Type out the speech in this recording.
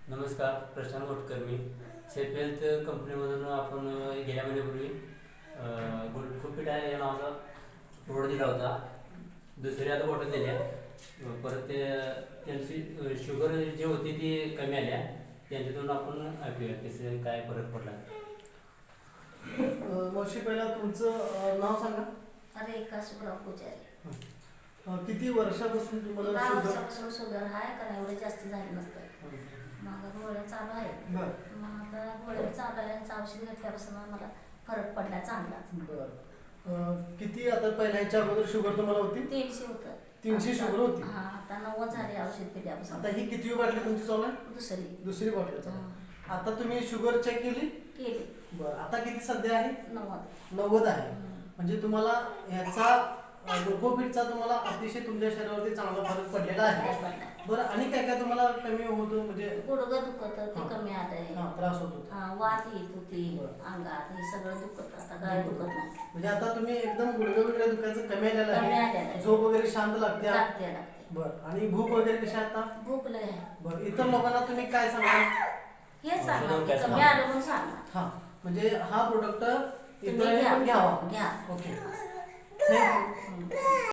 नमस्कार, प्रशांत गोटकर. मी Safe Health कंपनीमधून आपण गेल्या महिन्यापूर्वी गुडफुट या नावाचा प्रोडक्ट दिला होता. दुसरी आता बॉटल दिल्या. परत त्यांची शुगर जी होती ती कमी आल्या. त्यांच्यातून आपण ऐकूया त्याचे काय फरक पडला. वर्षी पहिला तुमचं नाव सांगा. रेखा सुब्राव पुजारी. किती वर्षापासून तुम्हाला 10 शुगर? वर्षापासून शुगर आहे का एवढे जास्त झाले नसतं. माझा गोळ्या चालू आहेत. मग आता गोळ्या चालू आहे, औषध घेतल्यापासून मला फरक पडला चांगला. बरं. किती आता पहिल्या ह्याच्या अगोदर शुगर तुम्हाला होती? 300 होतं. 300 शुगर होती. हा, आता 90 झाले औषध पिल्यापासून. आता ही किती बाटली तुमची चालू आहे? दुसरी बाटली चालू आहे. आता तुम्ही शुगर चेक केली? केली. बरं. आता किती सध्या आहे? 90 आहे. म्हणजे तुम्हाला ह्याचा ग्लुकोफिटचा तुम्हाला अतिशय तुमच्या शरीरावरती चांगला फरक पडलेला आहे. बरं. आणि काय काय तुम्हाला कमी होतो? म्हणजे गुडघं दुखत ते कमी आलंय. त्रास होतो. वात येत होती अंगात, हे सगळं दुखत. आता काय दुखत नाही. म्हणजे आता तुम्ही एकदम गुडघे वगैरे दुखायचं कमी आलेलं आहे. झोप वगैरे शांत लागते. बरं. आणि भूक वगैरे कशी आता? भूक लय आहे. बरं. इतर लोकांना तुम्ही काय सांगाल? हेच सांगा, कमी आलं म्हणून सांगा. हा, म्हणजे हा प्रोडक्ट तुम्ही इतरांनी पण घ्यावा. घ्या. ओके. थँक्यू.